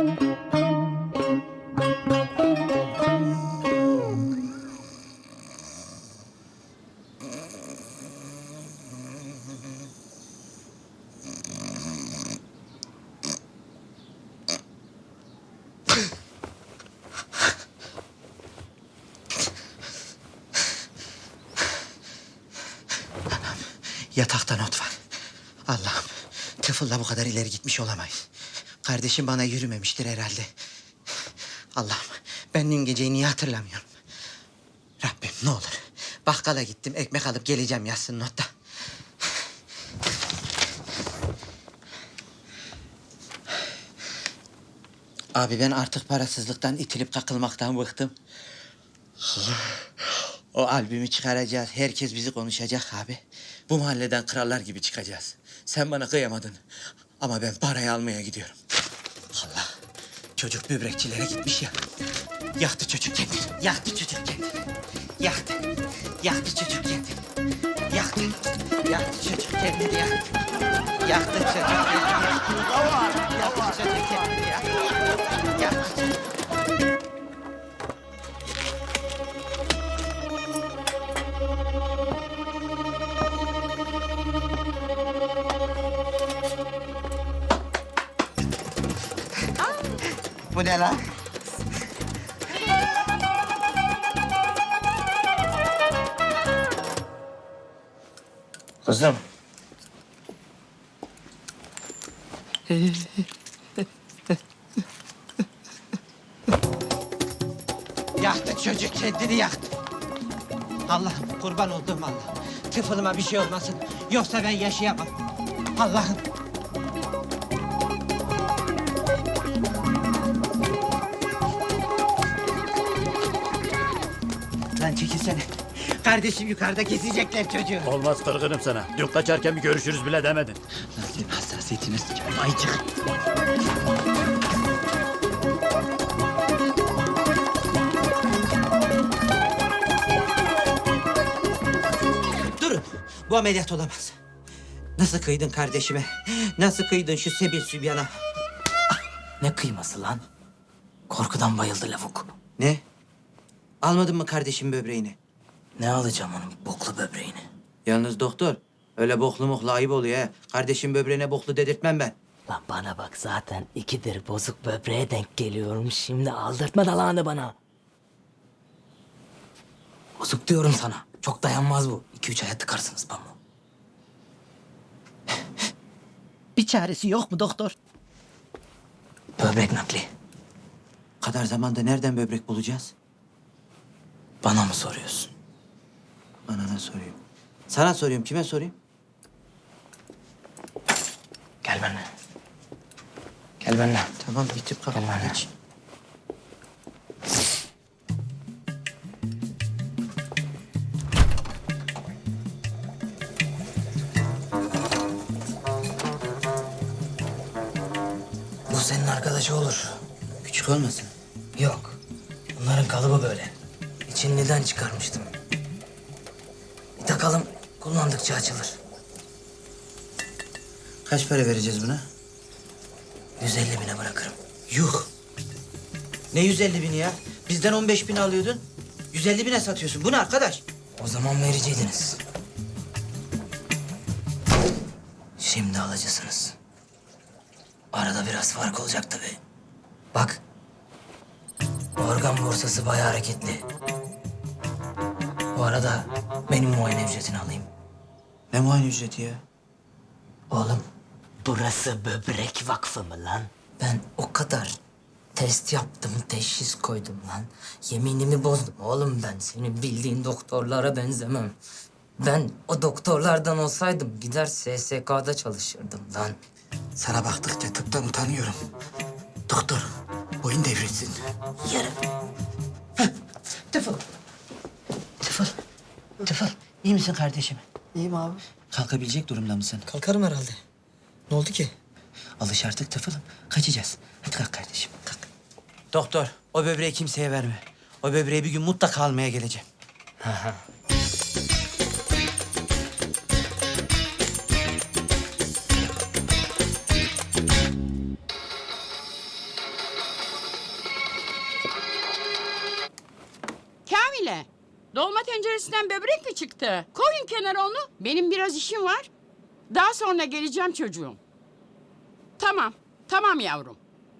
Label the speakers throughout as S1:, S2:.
S1: Yatakta not var. Allah'ım, tıfılla bu kadar ileri gitmiş olamayız. Kardeşim bana yürümemiştir herhalde. Allah'ım, ben dün geceyi niye hatırlamıyorum? Rabbim ne olur. Bakkala gittim, ekmek alıp geleceğim yazsın notta. Abi ben artık parasızlıktan, itilip kakılmaktan bıktım. O albümü çıkaracağız. Herkes bizi konuşacak abi. Bu mahalleden krallar gibi çıkacağız. Sen bana kıyamadın. Ama ben parayı almaya gidiyorum. Allah. Çocuk böbrekçilere gitmiş ya. Yaktı çocuk kendini. Yaktı çocuk kendini. Yaktı. Yaktı çocuk kendini. Yaktı. Yaktı çocuk kendini. Yaktı. Yaktı çocuk kendini. Yaktı çocuk kendini. Yaktı çocuk. Bu ne lan?
S2: Kızım.
S1: Yaktı çocuk kendini yaktı. Allah'ım kurban olduğum Allah. Tıfılıma bir şey olmasın. Yoksa ben yaşayamam. Allah'ım. Lan çekilsene. Kardeşim yukarıda kesecekler çocuğu.
S2: Olmaz, kırgınım sana. Dün kaçarken bir görüşürüz bile demedin.
S1: Lan senin hassasiyetini sıçarım ayıcık. Durun. Bu ameliyat olamaz. Nasıl kıydın kardeşime? Nasıl kıydın şu Sebil Sübyan'a?
S3: Ne kıyması lan? Korkudan bayıldı lavuk.
S1: Ne? Almadın mı kardeşim böbreğini?
S3: Ne alacağım onun boklu böbreğini?
S1: Yalnız doktor, öyle boklu moklu ayıp oluyor ha. Kardeşim böbreğine boklu dedirtmem ben.
S3: Lan bana bak, zaten ikidir bozuk böbreğe denk geliyorum. Şimdi aldırtma dalağını bana. Bozuk diyorum sana. Çok dayanmaz bu. 2-3 aya tıkarsınız pamuğu.
S1: Bir çaresi yok mu doktor?
S3: Böbrek nakli.
S1: Kadar zamanda nereden böbrek bulacağız?
S3: Bana mı soruyorsun?
S1: Anana soruyorum. Sana soruyorum, kime sorayım?
S3: Gel benimle. Gel benimle.
S1: Tamam, bitip kalk.
S3: Gel benimle.
S1: Geç.
S3: Bu senin arkadaşı olur.
S1: Küçük olmasın?
S3: Yok. Bunların kalıbı böyle. İçinliden çıkarmıştım. Bir takalım, kullandıkça açılır.
S1: Kaç para vereceğiz buna?
S3: 150 bine bırakırım.
S1: Yuh! Ne 150 bini ya? Bizden 15 bin alıyordun. 150 bine satıyorsun. Bu ne arkadaş?
S3: O zaman vericiydiniz. Şimdi alıcısınız. Arada biraz fark olacak tabii. Bak. Organ borsası bayağı hareketli. Bu arada benim muayene ücretini alayım.
S1: Ne muayene ücreti ya?
S3: Oğlum, burası böbrek vakfı mı lan? Ben o kadar test yaptım, teşhis koydum lan. Yeminimi bozdum oğlum ben. Senin bildiğin doktorlara benzemem. Ben o doktorlardan olsaydım gider SSK'da çalışırdım lan.
S1: Sana baktıkça tıptan utanıyorum. Doktor, boyun devrilsin.
S3: Yarın.
S1: Tıfıl. Tıfıl. Tıfıl. İyi misin kardeşim?
S3: İyiyim abi.
S1: Kalkabilecek durumda mısın?
S3: Kalkarım herhalde. Ne oldu ki?
S1: Alış artık Tıfıl'ım. Kaçacağız. Hadi kalk kardeşim, kalk. Doktor, o böbreği kimseye verme. O böbreği bir gün mutlaka almaya geleceğim.
S4: öyle? Dolma tenceresinden böbrek mi çıktı? Koyun kenara onu. Benim biraz işim var. Daha sonra geleceğim çocuğum. Tamam, tamam yavrum.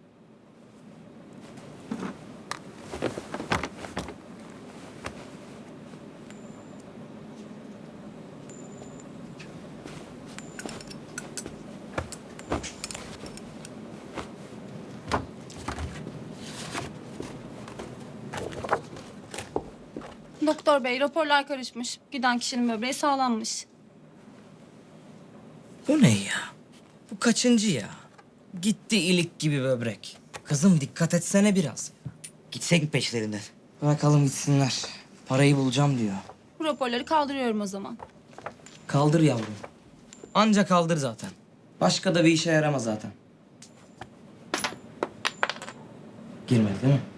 S5: Doktor bey, raporlar karışmış. Giden kişinin böbreği sağlanmış.
S3: Bu ne ya? Bu kaçıncı ya? Gitti ilik gibi böbrek. Kızım dikkat etsene biraz.
S1: Gitsek mi peşlerinden?
S3: Bırakalım gitsinler. Parayı bulacağım diyor.
S5: Bu raporları kaldırıyorum o zaman.
S3: Kaldır yavrum. Anca kaldır zaten. Başka da bir işe yaramaz zaten. Girmedi değil mi?